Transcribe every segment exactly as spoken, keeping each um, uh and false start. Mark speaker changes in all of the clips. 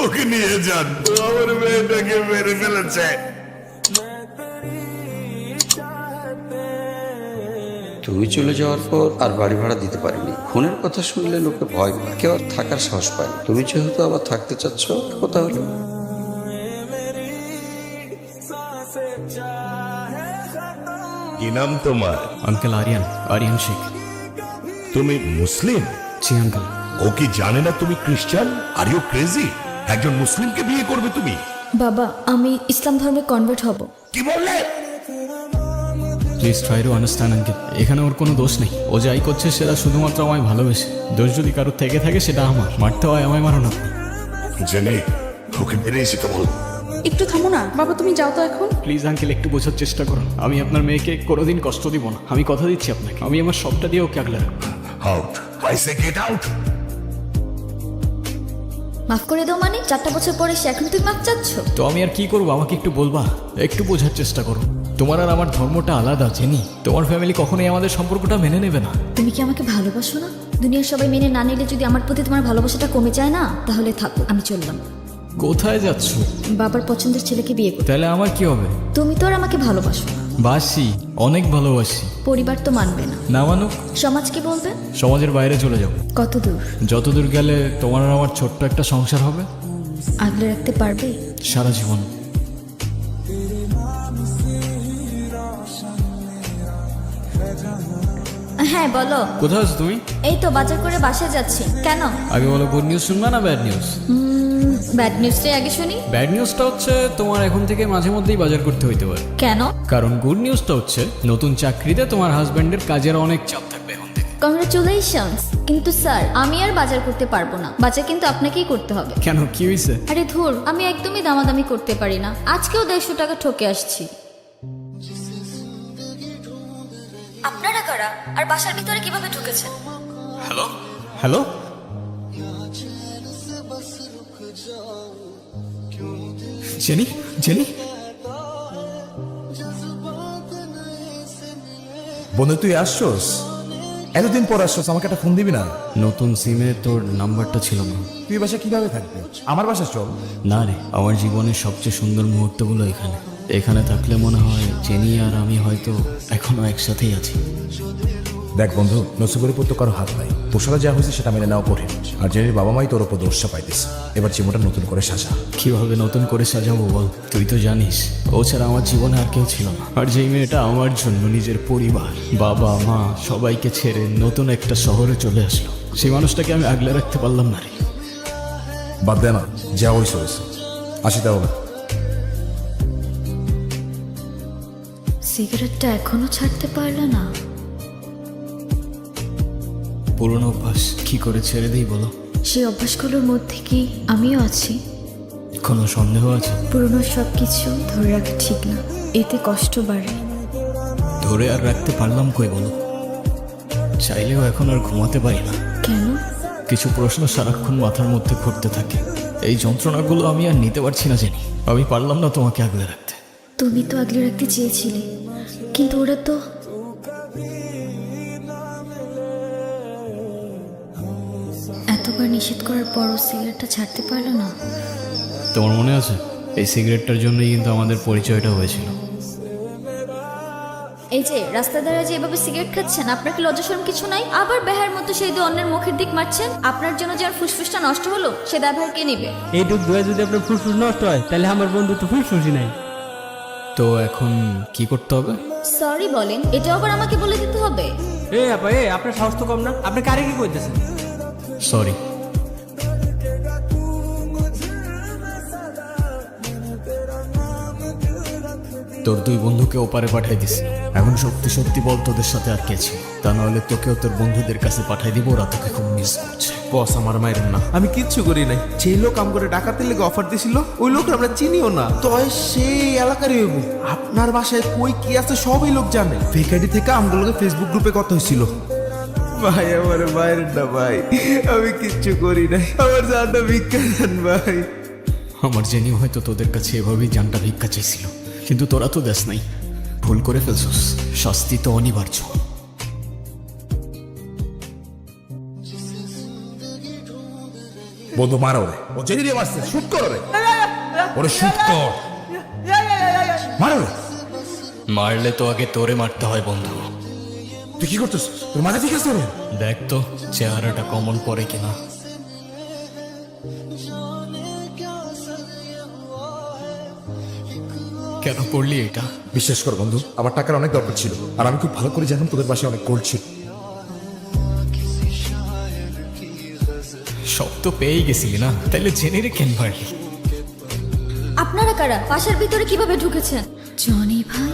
Speaker 1: ওকে নিয়ে যান, আমার মেয়েটাকে মেরে ফেলেছে।
Speaker 2: তুমি চলে যাওয়ার পর আর বাড়ি ভাড়া দিতে পারিনি। খুনের কথা শুনলে লোকে ভয় পায়, কেউ আর থাকার সাহস পায় না। তুমি যেহেতু আবার থাকতে চাচ্ছ, কথা হলো।
Speaker 1: কি নাম তোমার?
Speaker 3: আঙ্কেল আরিয়ান, আরিয়ান শেখ।
Speaker 1: তুমি মুসলিম?
Speaker 3: জি আঙ্কেল।
Speaker 1: ও কি জানে না তুমি খ্রিস্টান? Are you crazy? একজন মুসলিমকে বিয়ে করবে তুমি?
Speaker 4: বাবা, আমি ইসলাম ধর্মে কনভার্ট হব।
Speaker 1: কি বললে?
Speaker 3: Please try to understand uncle, এখানে ওর কোনো দোষ নেই। ও যাই করছে সেটা শুধুমাত্র আমায় ভালোবেসে। দোষ যদি কারোর থেকে থাকে সেটা আমার। মারতে হয় আমায়, মারো না।
Speaker 1: জেনে ওকে মেরে এসে তো বল।
Speaker 5: একটু থামো না বাবা, তুমি যাও তো এখন।
Speaker 3: প্লিজ আঙ্কেল, একটু বোঝার চেষ্টা করুন। আমি আপনার মেয়েকে কোনোদিন কষ্ট দিব না, আমি কথা দিচ্ছি আপনাকে। আমি আমার সবটা দিয়ে ওকে আগলে রাখবো।
Speaker 1: Out, I say get out.
Speaker 4: মাফ করে দাও মানে? চারটা বছর পরে সে এখন তুমি মাফ চাচ্ছ?
Speaker 3: তো আমি আর কি করবো, আমাকে একটু বলবা? একটু বোঝার চেষ্টা করো। তোমার আর আমার ধর্মটা আলাদা, জেনি। তোমার ফ্যামিলি কখনোই আমাদের সম্পর্কটা মেনে নেবে না।
Speaker 4: তুমি কি আমাকে ভালোবাসো না? দুনিয়ার সবাই মেনে না নিলে যদি আমার প্রতি তোমার ভালোবাসাটা কমে যায় না, তাহলে থাকো, আমি চললাম।
Speaker 3: কোথায় যাচ্ছ?
Speaker 4: বাবার পছন্দের ছেলেকে বিয়ে করো।
Speaker 3: তাহলে আমার কি হবে?
Speaker 4: তুমি তো আর আমাকে ভালোবাসো না।
Speaker 3: বাসি, অনেক ভালোবাসি।
Speaker 4: পরিবার তো মানবে না।
Speaker 3: না মানুক?
Speaker 4: সমাজ কি বলবে?
Speaker 3: সমাজের বাইরে চলে যাও।
Speaker 4: কত দূর?
Speaker 3: যতদূর গেলে তোমার আর আমার ছোট্ট একটা সংসার হবে।
Speaker 4: আগলে রাখতে পারবে?
Speaker 3: সারা জীবন।
Speaker 4: হ্যাঁ বলো।
Speaker 3: কোথায় আছো তুমি?
Speaker 4: এই তো বাজার করে বাসায় যাচ্ছি। কেন?
Speaker 3: আগে বলো, গুড নিউজ শুনবা না ব্যাড নিউজ?
Speaker 4: ব্যাড নিউজটাই আগে শুনি।
Speaker 3: ব্যাড নিউজটা হচ্ছে তোমার এখন থেকে মাঝে মধ্যেই বাজার করতে হইতে পারে।
Speaker 4: কেন?
Speaker 3: কারণ গুড নিউজটা হচ্ছে নতুন চাকরিতে তোমার হাজবেন্ডের কাজের অনেক চাপ থাকবে এখন থেকে।
Speaker 4: কংগ্রাচুলেশনস। কিন্তু স্যার, আমি আর বাজার করতে পারবো না। বাজার কিন্তু আপনাকেই করতে হবে।
Speaker 3: কেন, কি হয়েছে?
Speaker 4: আরে ধুর, আমি একদমই দামাদামি করতে পারি না। আজকেও দেড়শো টাকা ঠকে আসছি। আপনারা কারা? আর বাসার ভিতরে কিভাবে ঢুকেছেন?
Speaker 3: Hello hello Jenny, Jenny.
Speaker 6: বন্ধু তুই আসছস? এতদিন পর আসছস, আমাকে একটা ফোন দিবি না?
Speaker 3: নতুন সিমে তোর নাম্বারটা ছিল না।
Speaker 6: তুই বাসা কিভাবে থাকবি? আমার বাসা চল।
Speaker 3: না রে, আমার জীবনের সবচেয়ে সুন্দর মুহূর্তগুলো এখানে। এখানে থাকলে মনে হয় জেনি আর আমি হয়তো এখনো একসাথেই আছি।
Speaker 6: দেখ বন্ধু, নসিবের উপর তো কারো হাত নাই। তোর সাথে যা হয়েছে সেটা মেনে নেওয়া কঠিন। আর জেনির বাবা মাই তোর উপর দোষটা পাইতেছে। এবার জীবনটা নতুন করে সাজা।
Speaker 3: কিভাবে নতুন করে সাজাবো বল? তুই তো জানিস ও ছাড়া আমার জীবনে আর কেউ ছিল না। আর যেই মেয়েটা আমার জন্য নিজের পরিবার, বাবা মা সবাইকে ছেড়ে নতুন একটা শহরে চলে আসলো, সেই মানুষটাকে আমি আগলে রাখতে পারলাম না রে।
Speaker 6: বাদ দে না, যা হয়েছে হয়েছে। আসি তাহলে।
Speaker 4: সিগারেটটা এখনো ছাড়তে পারলে না?
Speaker 3: পুরনো অভ্যাস, কি করে ছেড়ে দিই বলো?
Speaker 4: সেই অভ্যাসগুলোর মধ্যে কি আমিও আছি?
Speaker 3: কোনো সন্দেহ আছে?
Speaker 4: পুরনো সব কিছু ধরে রাখা ঠিক না, এতে কষ্ট বাড়ে।
Speaker 3: ধরে আর রাখতে পারলাম কই বলো? চাইলেও এখন আর ঘুমাতে পারি না।
Speaker 4: কেন?
Speaker 3: কিছু প্রশ্ন সারাক্ষণ মাথার মধ্যে ঘুরতে থাকে। এই যন্ত্রণাগুলো আমি আর নিতে পারছি না জেনি। আমি পারলাম না তোমাকে আগলে রাখতে।
Speaker 4: তুমি তো আগলে রাখতে চেয়েছিলে, কিন্তু ওরা তো। এতবার নিষেধ করার পরও সিগারেটটা ছাড়তে পারলো না।
Speaker 3: তোমার মনে আছে এই সিগারেটটার জন্যই কিন্তু আমাদের পরিচয়টা হয়েছিল।
Speaker 4: এই যে রাস্তা দ্বারা যে এভাবে সিগারেট খাচ্ছেন, আপনার কি লজ্জা শরম কিছু নাই? আবার বেহার মতো সেই দু অন্যের মুখের দিক মারছেন। আপনার জন্য যে আমার ফুসফুসটা নষ্ট হলো, সে দায়ভার কে নেবে?
Speaker 7: এইটুক ধোয়া যদি আপনার ফুসফুস নষ্ট হয়, তাহলে আমার বন্ধু তো ফুসফুসই নাই।
Speaker 3: তো এখন কি করতে হবে?
Speaker 4: সরি বলেন, এটা আবার আমাকে বলে দিতে হবে?
Speaker 7: এ আপা, এ আপনার সাহস তো কম না, আপনি কারে কি কইতেছেন?
Speaker 3: সরি। তোর দুই বন্ধুকে ওপারে পাঠাই দিস। এখন সত্যি সত্যি বল, তোদের সাথে আর কে ছিল? তা নাহলে তোকেও তোর বন্ধুদের কাছে পাঠাই দিব। ওরা তোকে খুব মিস করছে।
Speaker 8: বস আমার মায়ের না, আমি কিচ্ছু করি নাই। যে লোক আম করে ডাকাতের লেগে অফার দিছিল, ওই লোক আমরা চিনিও না। তয় সেই এলাকারই হইব। আপনার বাসায় কই কি আছে সবই লোক জানে। ফেকাডি থেকে আমগুলোকে ফেসবুক গ্রুপে কথা হয়েছিল। ভাই আমার মায়ের না ভাই, আমি কিচ্ছু করি নাই। আমার জানটা ভিক্ষা দেন ভাই।
Speaker 3: আমার জেনি হয়তো তোদের কাছে এভাবেই জানটা ভিক্ষা চাইছিল, কিন্তু তোরা তো দেশ নাই। ভুল করে ফেলছস, শাস্তি তো অনিবার্য।
Speaker 6: বন্ধু মারা ওরে, ও জেনে দিয়ে মারছে, শুট কর ওরে, ওরে শুট কর, মারা ওরে।
Speaker 3: মারলে তো আগে তোরে মারতে হয় বন্ধু।
Speaker 6: তুই কি করতেছিস? তোর মাথা ঠিক আছে ওরে?
Speaker 3: দেখ তো চেহারাটা কমন পড়ে কিনা। কেন পড়লি এটা?
Speaker 6: বিশ্বাস কর বন্ধু, আমার টাকার অনেক দরকার ছিল, আর আমি খুব ভালো করে জানতাম তোদের বাসায় অনেক গোল্ড ছিল।
Speaker 3: সব তো পেয়েই গেছিলি না, তাহলে জেনে রে কেন মারলি?
Speaker 4: আপনারা কারা? বাসার ভিতরে কিভাবে ঢুকেছেন? জনি ভাই,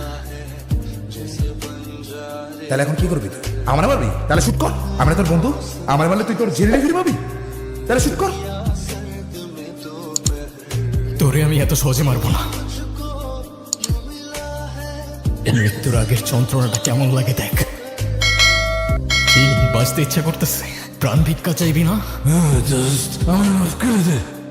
Speaker 6: তাহলে এখন কি করবি তুই? আমার মারবি? তাহলে শুট কর। আমরা তোর বন্ধু, আমার মারলে তুই তোর জেনে ফিরে পাবি, তাহলে শুট কর।
Speaker 3: তোরে আমি এত সহজে মারবো না। মৃত্যুর আগের যন্ত্রণাটা কেমন লাগে দেখ। কি বাঁচতে ইচ্ছা করতেছে? প্রাণ ভিক্ষা চাইবি না?
Speaker 1: আমার মাফ করে দে।